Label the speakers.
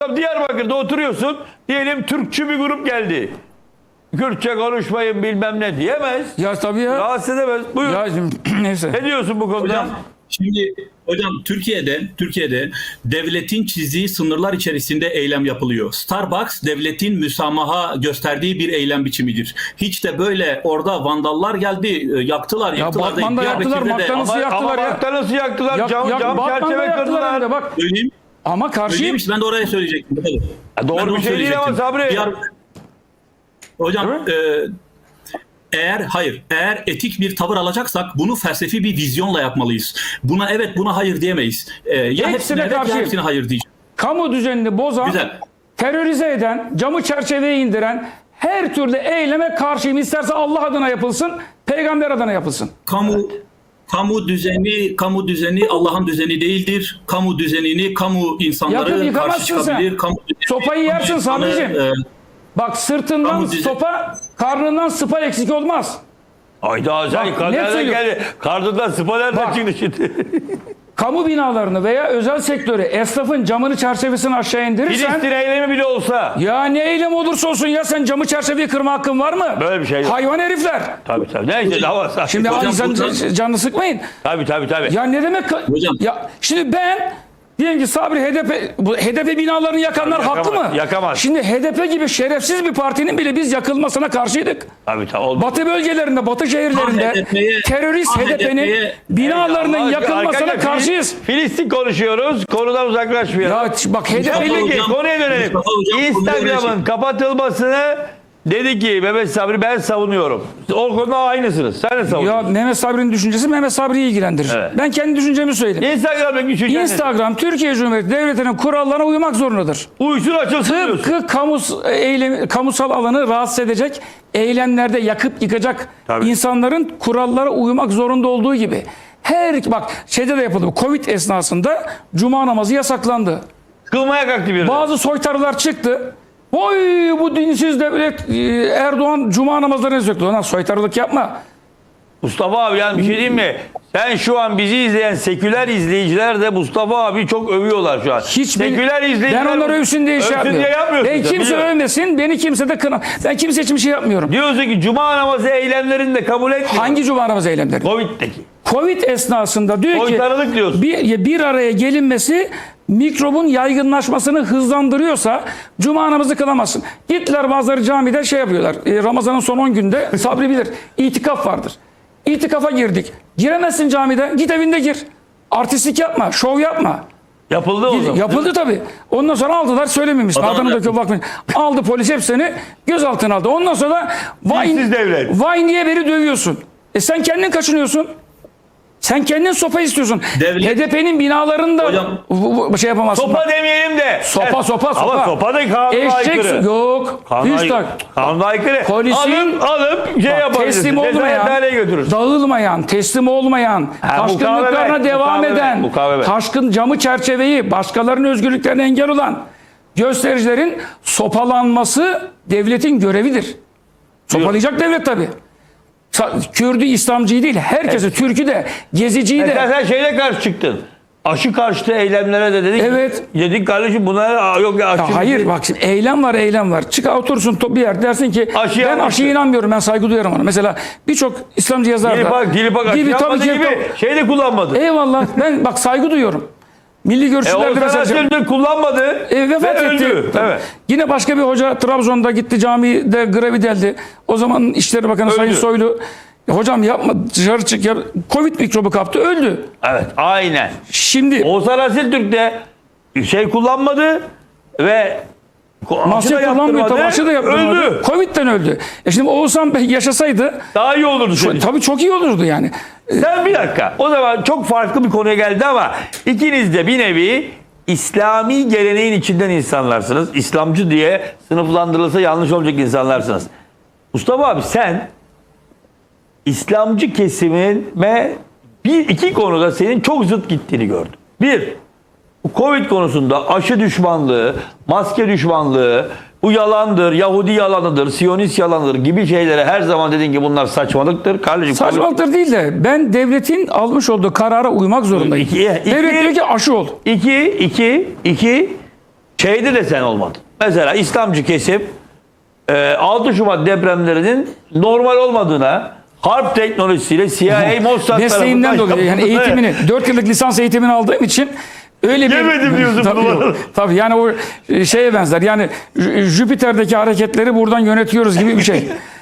Speaker 1: Diyarbakır'da oturuyorsun. Diyelim Türkçü bir grup geldi. Kürtçe konuşmayın bilmem ne diyemez.
Speaker 2: Ya tabii ya.
Speaker 1: Rahatsız edemez. Buyur.
Speaker 2: Ya neyse.
Speaker 1: Ne diyorsun bu konuda?
Speaker 3: Hocam, şimdi hocam Türkiye'de devletin çizdiği sınırlar içerisinde eylem yapılıyor. Starbucks devletin müsamaha gösterdiği bir eylem biçimidir. Hiç de böyle orada vandallar geldi, yaktılar.
Speaker 2: Ya
Speaker 3: yaktılar
Speaker 2: Batman'da yaktılar, McDonald's'ı yaktılar ya.
Speaker 1: McDonald's'ı yaktılar, cam
Speaker 2: Batman'da
Speaker 1: çerçeve
Speaker 2: yaktılar
Speaker 1: kırdılar.
Speaker 2: hem de bak.
Speaker 3: Söyleyeyim.
Speaker 2: Ama karşıyım.
Speaker 3: Söyleyeyim işte, ben de oraya söyleyecektim.
Speaker 1: Doğru
Speaker 3: Ben
Speaker 1: bir
Speaker 3: onu
Speaker 1: şey değil ama
Speaker 3: söyleyecektim.
Speaker 1: Sabri.
Speaker 3: Hocam eğer etik bir tavır alacaksak bunu felsefi bir vizyonla yapmalıyız. Buna hayır diyemeyiz. Ya hepsine evet ya hepsine hayır diyeceğiz.
Speaker 2: Kamu düzenini bozan,
Speaker 3: Güzel.
Speaker 2: terörize eden, camı çerçeveye indiren her türlü eyleme karşıyım. İsterse Allah adına yapılsın, peygamber adına yapılsın.
Speaker 3: Kamu düzeni Allah'ın düzeni değildir. Kamu düzenini kamu insanları karşı çıkabilir.
Speaker 2: Sopayı yersin Sabri'cim. Bak sırtından sopa, karnından sıpa eksik olmaz.
Speaker 1: Ayda sen karnından geldi. Karnından sıpa nereden çıktı şimdi?
Speaker 2: Kamu binalarını veya özel sektörü, esnafın camını çerçevesini aşağı indirirsen...
Speaker 1: Filistin eylemi bile olsa.
Speaker 2: Ya ne eylem olursa olsun ya, sen camı çerçeveyi kırma hakkın var mı?
Speaker 1: Böyle bir şey yok.
Speaker 2: Hayvan herifler.
Speaker 1: Tabii. Neyse dava.
Speaker 2: Şimdi insan canını sıkmayın.
Speaker 1: Tabii.
Speaker 2: Ya ne demek?
Speaker 3: Hocam.
Speaker 2: Ya şimdi ben diyelim ki Sabri HDP binalarını yakanlar haklı mı?
Speaker 1: Yakamaz.
Speaker 2: Şimdi HDP gibi şerefsiz bir partinin bile biz yakılmasına karşıydık.
Speaker 1: Tabii.
Speaker 2: Batı bölgelerinde, Batı şehirlerinde terörist HDP'nin binalarının yakılmasına karşıyız.
Speaker 1: Filistin konuşuyoruz. Konudan uzaklaşmayalım.
Speaker 2: Ya bak HDP'li
Speaker 1: konuya dönelim. Instagram'ın kapatılmasını dedi ki Mehmet Sabri ben savunuyorum. O konuda aynısınız. Sen de savunuyorsun.
Speaker 2: Ya Mehmet Sabri'nin düşüncesi Mehmet Sabri'yi ilgilendirir. Evet. Ben kendi düşüncemi söyleyeyim. Instagram Türkiye Cumhuriyeti Devleti'nin kurallarına uymak zorundadır.
Speaker 1: Uysun açılsın
Speaker 2: Tıpkı kamusal alanı rahatsız edecek eylemlerde yakıp yıkacak insanların kurallara uymak zorunda olduğu gibi. Bak şeyde de yapıldı. Covid esnasında cuma namazı yasaklandı.
Speaker 1: Kılmaya kalktı biri.
Speaker 2: Bazı soytarılar çıktı. Oy bu dinsiz devlet Erdoğan cuma namazlarını yasakladı. Lan soytarılık yapma.
Speaker 1: Mustafa abi yani bir şey diyeyim mi? Sen şu an bizi izleyen seküler izleyiciler de Mustafa abi çok övüyorlar şu an. Seküler izleyiciler.
Speaker 2: Ben onları övsün diye şey yapmıyorum. Ben kimse övmesin, beni kimse de kına. Ben kimse için bir şey yapmıyorum.
Speaker 1: Diyorsun ki cuma namazı eylemlerini de kabul etmiyor.
Speaker 2: Hangi cuma namazı eylemleri?
Speaker 1: Covid'deki.
Speaker 2: Covid esnasında diyor ki
Speaker 1: diyorsun.
Speaker 2: Bir araya gelinmesi mikrobun yaygınlaşmasını hızlandırıyorsa cuma namazı kılamazsın. Gittiler bazıları camide şey yapıyorlar. Ramazan'ın son 10 günde Sabri bilir. İtikaf vardır. İtikafa girdik. Giremezsin camide. Git evinde gir. Artistlik yapma. Şov yapma.
Speaker 1: Yapıldı o zaman.
Speaker 2: Yapıldı tabii. Ondan sonra aldılar söylememişsin. Adını döküp bakmayın. Aldı polis hepsini gözaltına aldı. Ondan sonra vay niye beni dövüyorsun? Sen kendin kaçınıyorsun. Sen kendin sopa istiyorsun. HDP'nin binalarında şey yapamazsın.
Speaker 1: Sopa demeyelim de.
Speaker 2: Sopa.
Speaker 1: Ama sopa da kanuna aykırı.
Speaker 2: Yok.
Speaker 1: Kanuna aykırı.
Speaker 2: Polisin
Speaker 1: alıp şey yapabilirsin.
Speaker 2: Teslim olmayan, dağılmayan, teslim olmayan, taşkınlıklarına devam eden, taşkın camı çerçeveyi, başkalarının özgürlüklerine engel olan göstericilerin sopalanması devletin görevidir. Sopalayacak devlet tabii. Kürdü, İslamcıyı değil, herkese, Türk'ü de, Geziciyi de.
Speaker 1: Sen şeyle karşı çıktın. Aşı karşıtı eylemlere de dedik.
Speaker 2: Evet.
Speaker 1: Dedik kardeşim bunlara yok ya aşı.
Speaker 2: Hayır bak şimdi eylem var. Çık otursun bir yer dersin ki ben aşıya inanmıyorum, ben saygı duyarım ona. Mesela birçok İslamcı yazar da.
Speaker 1: Dilip aşı yapmadı gibi şey de kullanmadı.
Speaker 2: Eyvallah ben bak saygı duyuyorum. Milli görüşçülerde
Speaker 1: mesela kullanmadı.
Speaker 2: Vefat etti.
Speaker 1: Evet.
Speaker 2: Yine başka bir hoca Trabzon'da gitti camide grevi deldi. O zaman İçişleri Bakanı Sayın Soylu hocam yapma dışarı çık ya. Covid mikrobu kaptı öldü.
Speaker 1: Evet aynen.
Speaker 2: Şimdi
Speaker 1: Oğuzhan Asiltürk de şey kullanmadı ve
Speaker 2: maske kullanmıyor tabii aşı da yapmadı.
Speaker 1: Öldü.
Speaker 2: Covid'den öldü. Şimdi Oğuzhan Bey yaşasaydı
Speaker 1: daha iyi olurdu.
Speaker 2: Tabii çok iyi olurdu yani.
Speaker 1: Sen bir dakika. O zaman çok farklı bir konuya geldi ama ikiniz de bir nevi İslami geleneğin içinden insanlarsınız. İslamcı diye sınıflandırılsa yanlış olacak insanlarsınız. Mustafa abi sen İslamcı kesimime iki konuda senin çok zıt gittiğini gördüm. Bir, bu Covid konusunda aşı düşmanlığı, maske düşmanlığı, bu yalandır, Yahudi yalanıdır, Siyonist yalanıdır gibi şeylere her zaman dedin ki bunlar saçmalıktır. Kardeşim,
Speaker 2: saçmalıktır değil de ben devletin almış olduğu karara uymak zorundayım. Devlet diyor ki aşı ol.
Speaker 1: İki, Şeyde de sen olmadın. Mesela İslamcı kesim 6 Şubat depremlerinin normal olmadığına, harp teknolojisiyle CIA, Mossad
Speaker 2: Mesleğimden
Speaker 1: tarafından
Speaker 2: dolayı yani eğitimini 4 yıllık lisans eğitimini aldığım için öyle bir
Speaker 1: Yemedim diyorsun
Speaker 2: tabii,
Speaker 1: bunu.
Speaker 2: yok. Tabii yani o şeye benzer. Yani Jüpiter'deki hareketleri buradan yönetiyoruz gibi bir şey.